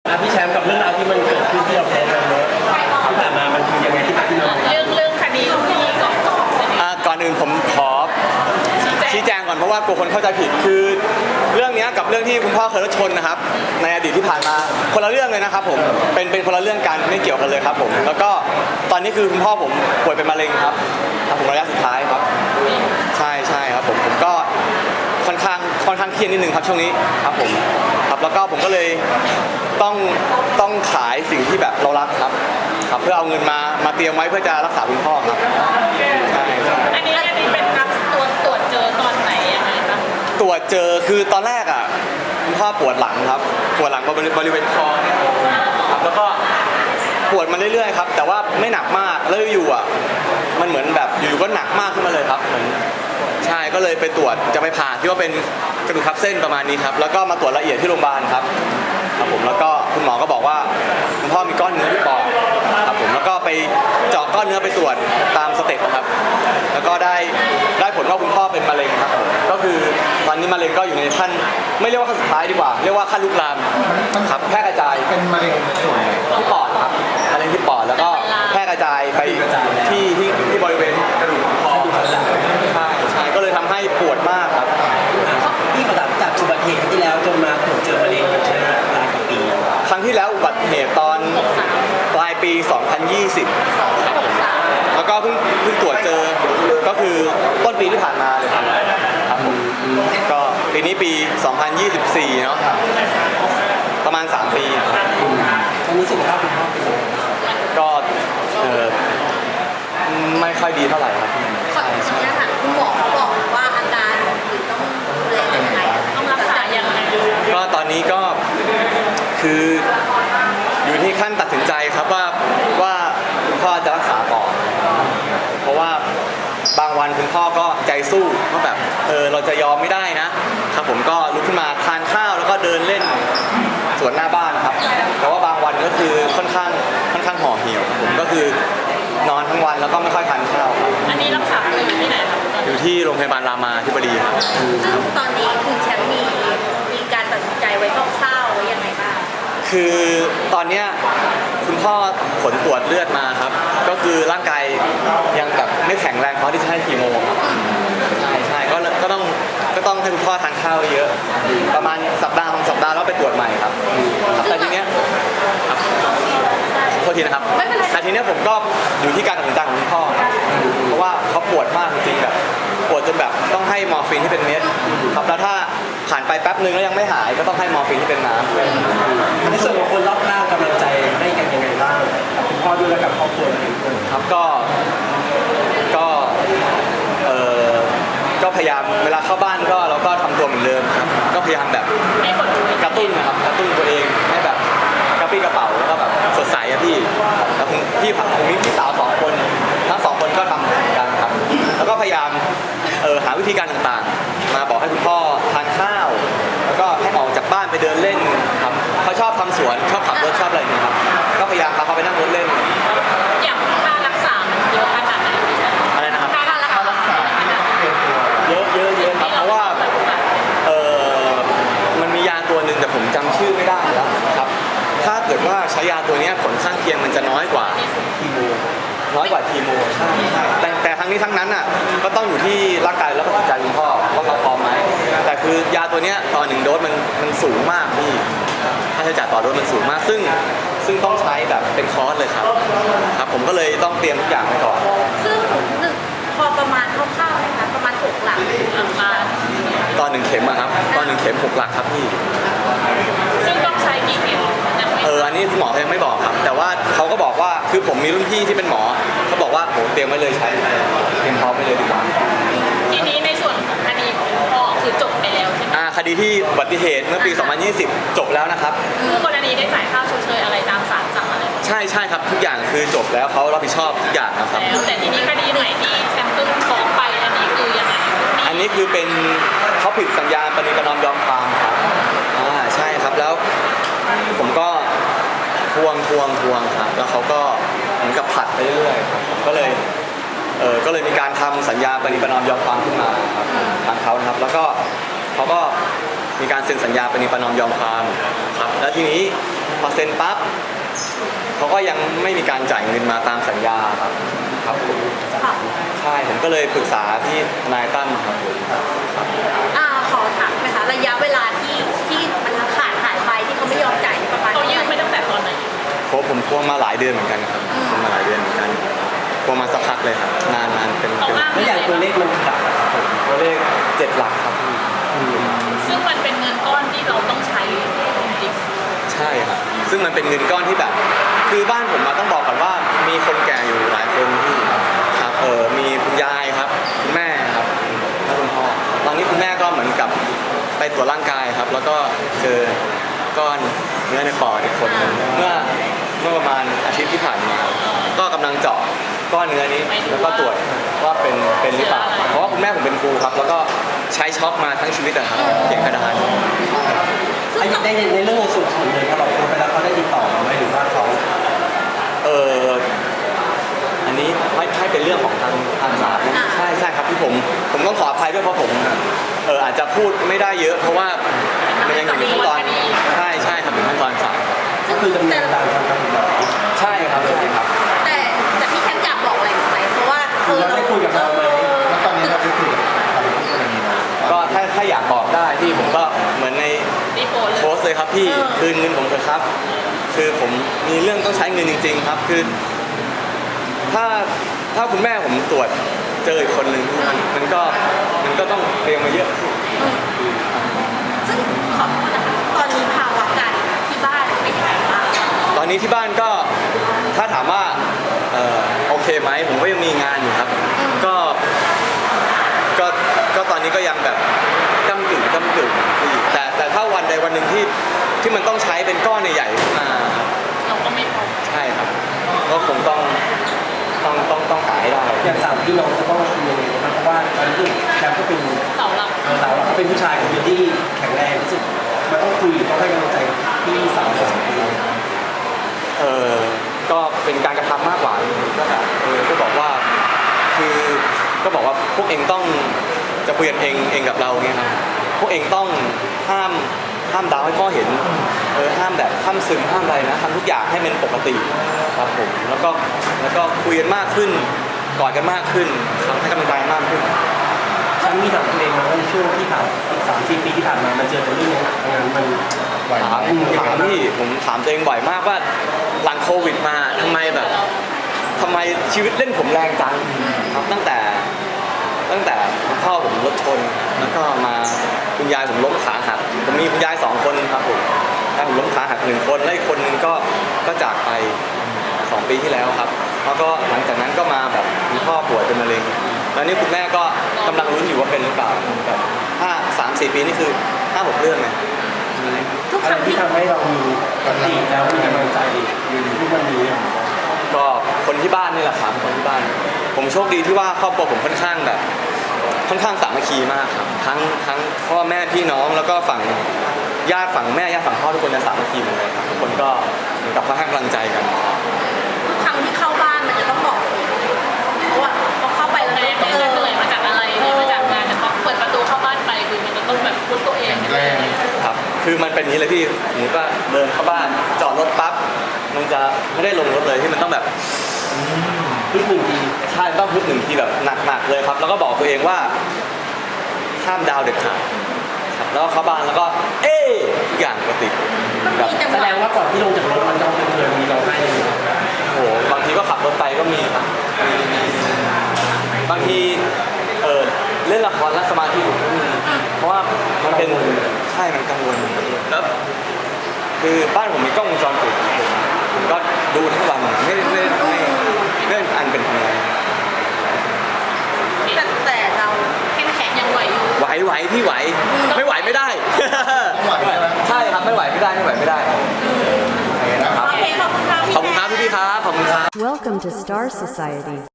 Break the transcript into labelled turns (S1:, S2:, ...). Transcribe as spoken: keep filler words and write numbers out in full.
S1: พี่แชมป์กับเรื่องราวที่มันเกิดขึ้นที่เราแพ้มาเนอะที่ผ่านมามันคือยังไงที่ที่เรา
S2: เรื่องเรื่องคดีลูกหนี้ก่อน
S3: อ่าก่อนอื่นผมขอชี้แจงก่อนเพราะว่ากลัวคนเข้าใจผิดคือเรื่องนี้กับเรื่องที่คุณพ่อเคยรถชนนะครับในอดีตที่ผ่านมาคนละเรื่องเลยนะครับผมเป็นเป็นคนละเรื่องกันไม่เกี่ยวกันเลยครับผมแล้วก็ตอนนี้คือคุณพ่อผมป่วยเป็นมะเร็งครับครับผมระยะสุดท้ายครับใช่ใช่ครับผมผมก็ค่อนข้างค่อนข้างเครียดนิดนึงครับช่วงนี้ครับผมครับแล้วก็ผมก็เลยต้องต้องขายสิ่งที่แบบเรารักครับครับเพื่อเอาเงินมามาเตรียมไว้เพื่อจะรักษาคุณพ่อครับใช่
S2: อันนี้อันนี้เป็นรับตัวตรวจเจอตอนไหนยังไงคะ
S3: ตรวจเจอคือตอนแรกอ่ะคุณพ่อปวดหลังครับปวดหลังบริเวณคอเนี่ยครับแล้วก็ปวดมาเรื่อยๆครับแต่ว่าไม่หนักมากแล้วอยู่อ่ะมันเหมือนแบบอยู่ๆก็หนักมากขึ้นมาเลยครับเหมือนใช่ก็เลยไปตรวจจะไปผ่าที่ว่าเป็นกระดูกทับเส้นประมาณนี้ครับแล้วก็มาตรวจละเอียดที่โรงพยาบาลครับครับผมแล้วก็คุณหมอก็บอกว่าคุณพ่อมีก้อนเนื้อที่ปอดครับผมแล้วก็ไปเจาะก้อนเนื้อไปตรวจตามสเต็ปครับแล้วก็ได้ได้ผลว่าคุณพ่อเป็นมะเร็งครับผมก็คือตอนนี้มะเร็งก็อยู่ในขั้นไม่เรียกว่าขั้นสุดท้ายดีกว่าเรียกว่าขั้นลุกลามครับแพร่กระจาย
S4: เป็นมะเร็งส่วนไหน
S3: ที่ปอดครับมะเร็งที่ปอดแล้วก็แพร่กระจายไปที่ที่ที่บริเวณกระดูกคอใช่ใช่ก็เลยทำให้ปวดมากครับ
S1: พี่ประดับจากอุบัติเหตุที่แล้วจนมาตรวจเจอมะเร็งใช้เวลาหลายกว่าปี
S3: ครั้งที่แล้วอุบัติเหตุตอนปลายปี สองพันยี่สิบ แล้วก็เพิ่งเพิ่งตรวจเจอก็คือต้นปีที่ผ่านมาเลยครับครับผมก็ปีนี้ปี สองพันยี่สิบสี่ เนาะประมาณสามปี
S1: ตอนนี้สุขภาพคุณพ่อเป็นยังไง
S3: ก็เออไม่ค่อยดีเท่าไหร่ครับ
S2: ขออนุญาตถามคุณหมอบอกว่าอาการหรือต้องดูแลยังไงต้องรักษายังไง
S3: ก็ตอนนี้ก็คืออยู่ที่ขั้นตัดสินใจครับว่าว่าคุณพ่อจะรักษาต่อเพราะว่าบางวันคุณพ่อก็ใจสู้ว่าแบบเออเราจะยอมไม่ได้นะครับผมก็ลุกขึ้นมาทานข้าวแล้วก็เดินเล่นสวนหน้าบ้านครับแต่ว่าบางวันก็คือค่อนข้างค่อนข้างห่อเหี่ยวผมก็คือนอนทั้งวันแล้วก็ไม่ค่อยทานข้าว
S2: อันนี้รักษาอยู่ที่ไหนครับ
S3: อยู่ที่โรงพยาบาลรามาธิบดีครับ
S2: ซึ่งตอนนี้คือแชมป์มีมีการตัดสินใจไว้คร่าวๆไว้ยังไงบ้าง
S3: คือตอนเนี้ยคุณพ่อผลตรวจเลือดมาครับก็คือร่างกายยังแบบไม่แข็งแรงพอที่จะให้คีโมครับใช่ใช่ก็ก็ต้องก็ต้องให้คุณพ่อทานข้าวเยอะประมาณสัปดาห์สองสัปดาห์แล้วไปตรวจใหม่ครับแต่ทีเนี้ยโทษทีนะครับแต่ทีเนี้ยผมก็อยู่ที่การตัดสินใจของคุณพ่อเพราะว่าเขาปวดมากจริงๆแบบปวดจนแบบต้องให้มอร์ฟีนที่เป็นเม็ดครับแล้วถ้าผ่านไปแป๊บนึงแล้วยังไม่หายก็ต้องให้มอร์ฟีนที่เป็นน้ำ
S1: ในส่วนของคนรอบข้างกำลังใจให้กันยังไงบ้างกับคุณพ่อด้วยและกับครอบครัวด้วย
S3: ครับก็ก็เออก็พยายามเวลาเข้าบ้านก็เราก็ทำตัวเหมือนเดิมครับก็พยายามแบบกระตุ้นนะครับกระตุ้นตัวเองให้แบบกระปี้กระเป๋าแล้วก็แบบสดใสอะพี่แล้วผมพี่ผมมีพี่สาวสองคนทั้งสองคนก็ทำเหมือนกันครับแล้วก็พยายามเออหาวิธีการต่างๆมาบอกให้คุณพ่อทานข้าวแล้วก็ให้ออกจากบ้านไปเดินเล่นครับเขาชอบทำสวนชอบขับรถชอบอะไรอย่างนี้ครับก็พยายามพาเขาไปนั่งรถเล่น
S2: อย่างค่ารักษาเยอะขนาดไหน
S3: อะไรนะครับ
S2: ค่ารักษา
S3: เยอะเยอะเยอะครับเพราะว่าเออมันมียาตัวหนึ่งแต่ผมจำชื่อไม่ได้แล้วครับถ้าเกิดว่าใช้ยาตัวนี้ผลข้างเคียงมันจะน้อยกว่าคีโมน้อยกว่าคีโมใช่ใช่แต่แต่ทั้งนี้ทั้งนั้นอ่ะก็ต้องอยู่ที่ร่างกายแล้วก็จิตใจคุณพ่อว่าเขาพร้อมไหมแต่คือยาตัวนี้ต่อหนึ่งโดสมันมันสูงมากพี่ค่าใช้จ่ายต่อโดสมันสูงมากซึ่งซึ่งต้องใช้แบบเป็นคอร์สเลยครับครับผมก็เลยต้องเตรียมทุกอย่างไว้ก่อน
S2: ซึ่งหนึ่งพอประมาณคร่าวๆนะคะประมาณหกหลักหลักล้าน
S3: ตอนหนึ่งเข็มอะครับตอนหนึ่งเข็มหกหลักครับพี่
S2: ซึ่งต้องใช้กี่เข็ม
S3: เอออันนี้คุณหมอยังไม่บอกครับแต่ว่าเขาก็บอกว่าคือผมมีรุ่นพี่ที่เป็นหมอเขาบอกว่าโหเตรียมไว้เลยใช้เตรียมพร้อมไว้เลยดีกว่า
S2: ทีนี้ในส่วนของคดีของพ่อคือจบไปแล้วใช่ไหม
S3: อ่าคดีที่อุบัติเหตุเมื่อปีสองพันยี่สิบจบแล้วนะครับ
S2: คู่กรณีได้จ่ายค่าชดเชยอะไรตามศาลสั่งอะไร
S3: ใช่ใช่ครับทุกอย่างคือจบแล้วเขารับผิดชอบทุกอย่างนะครับ
S2: แล้วแต่ทีนี้คดีใหม่ที่แชมป์ตุ้งฟ้องไปอันนี้คือยังไง
S3: อันนี้คือเป็นเขาผิดสัญญาปณิประนอมยอมความครับอ่าใช่ครับแล้วผมก็ทวงทวงทวงครับแล้วเขาก็เหมือนกับผัดไปเรื่อยๆครับก็เลยเออก็เลยมีการทำสัญญาปณิประนอมยอมความขึ้นมาครับทางเขานะครับแล้วก็เขาก็มีการเซ็นสัญญาปณิประนอมยอมความครับแล้วทีนี้พออเซ็นปั๊บเขาก็ยังไม่มีการจ่ายเงินมาตามสัญญาครับครับผม
S2: ค่ะ
S3: ใช่ผมก็เลยปรึกษาที่ทนายตั้มครับผม
S2: อ่าขอถามไหมคะระยะเวลาที่ที่มันขาดหายไปที่เขาไม่ยอมจ่ายนี่ประมาณ
S4: เขายื่น
S2: เท่าไห
S4: ไม่
S2: ร่
S4: ตั้งแต่ตอนไหน
S3: เพราะผมทวงมาหลายเดือนเหมือนกันครับ
S2: อืม
S3: ทวงมาหลายเดือนเหมือนกันทวงมาสักพักเลยครับนานนานเป็น
S4: เขา
S3: เป็น
S4: อ้าง
S1: แล้วอย่างตัวเลขมันต่างกันครับผม
S3: ตัวเลขเจ็ดหลักครับพี่
S4: ซึ่งมันเป็นเงินก้อนที่เราต้องใช้จริง
S3: ใช่ครับซึ่งมันเป็นเงินก้อนที่แบบ คือบ้านผมมาต้องบอกก่อนว่ามีคนแก่อยู่หลายคนที่ครับเออมีคุณยายครับคุณแม่ครับแล้วคุณพ่อตอนนี้คุณแม่ก็เหมือนกับไปตรวจร่างกายครับ แล้วก็เจอก้อนเนื้อในปอดอีกคนหนึ่งเมื่อเมื่อประมาณอาทิตย์ที่ผ่านมาก็กำลังเจาะก้อนเนื้อนี้แล้วก็ตรวจว่าเป็นเป็นหรือเปล่าเพราะว่าคุณแม่ผมเป็นครูครับ แล้วก็ใช้ช็อกมาทั้งชีวิตอะครับเก็บกระดาน
S1: ไอ้ในในเรื่องในส่วนของเลยพอเราโทรไปแล้วเขาได้ติดต่อมาไหมหรือว่าเขา
S3: เอออันนี้ไม่ให้เป็นเรื่องของทางทางศาลนะใช่ใช่ครับที่ผมผมต้องขออภัยด้วยเพราะผมเอออาจจะพูดไม่ได้เยอะ เพราะว่ามันยังอยู่ในขั้นตอนใช่ใช่ครับอยู่ขั้นตอนศาล
S1: ก็คือดำเนินตามทางกฎหมาย
S3: ใช่ครับใช่ครับ
S2: แต่แต่พี่แคทอยากบอกอะไรไหมเพราะว่าเออ
S1: เราได้คุยกับเราไหม
S5: แล้วตอนนี้เราได้คุยกับทางคู่กรณีนะ
S3: ก็ถ้าถ้าอยากบอกได้ที่ผมก็เหมือนใน
S4: ๆรีโพสต์
S3: โพสต์เลยครับพี่คืนเงินผมเถอะครับ คือผมมีเรื่องต้องใช้เงินจริง ๆ ครับ คือ ถ้าถ้าคุณแม่ผมตรวจเจออีกคนนึงมันมันก็มันก็ต้องเตรียมมาเยอะ
S2: ซึ่งขอโทษนะคะตอนนี้ภาวะการที่บ้านเป็นยังไงบ้าง
S3: ตอนนี้ที่บ้านก็ถ้าถามว่าเอ่อโอเคไหมผมก็ยังมีงานอยู่ครับ ก็ก็ก็ตอนนี้ก็ยังแบบก้ำกึ่งก้ำกึ่งอยู่แต่แต่ถ้าวันใดวันหนึ่งที่ที่มันต้องใช้เป็นก้อนใหญ่ๆขึ้นมาครับ
S4: เราก็ไม่พอ
S3: ใช่ครับก็คงต้องต้องต้องต้องหาให้ได้
S1: อย่างสามพี่น้องจะต้องคุยยังไงนะครับเพราะว่าตอนนี้แคมป์ก็เป็น
S4: เสาหลัก
S1: เออเราเขาเป็นผู้ชายคนเดียวที่แข็งแรงที่สุดมันต้องคุยต้องให้กำลังใจพี่สาวสองคน
S3: เออก็เป็นการกระทำมากกว่าก็แบบเออก็บอกว่าคือก็บอกว่าพวกเองต้องจะคุยกันเองเองกับเราเนี่ยครับพวกเองต้องห้ามห้ามดาวให้พ่อเห็นเออห้ามแบบห้ามซึมห้ามอะไรนะทำทุกอย่างให้มันปกติครับผมแล้วก็แล้วก็คุยกันมากขึ้นกอดกันมากขึ้นทำให้กำลังใจมากขึ้น
S1: ฉันมีถามตัวเองมาว่าในช่วงที่ผ่านอีกสามสี่ปีที่ผ่านมามันเจอแต่เรื่องหนักๆงานมัน
S5: ไหวไหม
S3: ถามถามพี่ผมถามตัวเองบ่อยมากว่าหลังโควิดมาทำไมแบบทำไมชีวิตเล่นผมแรงจังครับตั้งแต่ตั้งแต่คุณพ่อผมรถชนแล้วก็มาคุณยายผมล้มขาหักผมมีคุณยายสองคนครับผมยายผมล้มขาหักหนึ่งคนและอีกคนนึงก็ก็จากไปสองปีที่แล้วครับแล้วก็หลังจากนั้นก็มาแบบคุณพ่อป่วยเป็นมะเร็งแล้วนี่คุณแม่ก็กำลังลุ้นอยู่ว่าเป็นหรือเปล่าแบบห้าสามสี่ปีนี่คือห้าหกเรื่องเลย
S2: ทุก
S1: อะ
S2: ค
S1: ไร
S2: รั้ง
S1: ที่
S2: ที่
S1: ทำให้เรามีสติแล้วมีกำลังใจอยู่ทุกวันนี้
S3: ก็คนที่บ้านนี่แหละครับคนที่บ้าน ผมโชคดีที่ว่าครอบครัวผมค่อนข้างแบบ ค่อนข้างสามัคคีมากครับทั้งทั้งพ่อแม่พี่น้องแล้วก็ฝั่งญาติฝั่งแม่ญาติฝั่งพ่อทุกคนจะสามัคคีหมดเลยครับทุกคนก็เหมือนกับค่อนข้างกำลังใจกัน
S2: ทุกครั้งที่เข้าบ้านมันจะต้องบอกเลยเพราะว่าพอเข้าไปแล้ว
S4: แม่
S2: เนี่ย
S4: แม่จะเหนื่อยมาจากอะไรเหนื่อยมาจากงานแต่พอเปิดประตูเข้าบ้านไปคือมันจะต้องแบบพุทตัวเอง
S5: แรง
S3: ครับ คือมันเป็นอย่างนี้เลยพี่หนูก็เดินเข้าบ้านจอดรถปั๊บมันจะไม่ได้ลงรถเลยที่มันต้องแบบ
S1: พึ่งหนึ่งที
S3: ใช่ต้องพึบหนึ่งทีแบบหนักๆเลยครับ แล้วก็บอกตัวเองว่าห้ามดาวเด็ดขาดครับแล้วก็เข้าบ้านแล้วก็เอ๊ะทุกอย่างปกติแบบ
S2: มีจังห
S1: แสด
S2: วะ
S1: งว่าก่อนที่ลงจากรถมันต้องเป็นเงินมีเราให้เลย
S3: โอ้โหบางทีก็ขับรถไปก็มีครับมีมีบางทีเออเล่นละครแล้วสมาธิหลุดก็มีเพราะว่ามันเป็นใช่มันกังวลแล้วคือบ้านผมมีกล้องวงจรปิดผมก็ดูทั้งวันไม่ไม่ไม่ไม่อันเป็นทำไง
S2: แต่แต่เราเข้มแข็ง
S4: ยังไหวอยู่
S3: ไหวไหวพี่ไหวไม่ไหวไม่ได้
S5: ต้องไหวใช่ไหม
S3: ใช่ครับไม่ไหวไม่ได้ไม่ไหวไม่ได้
S5: โอเคนะครับ
S2: โอเคขอบคุณครับพี่
S3: ขอบคุณครับพี่พี่ครับขอบคุณครับ
S6: Welcome to Star Society.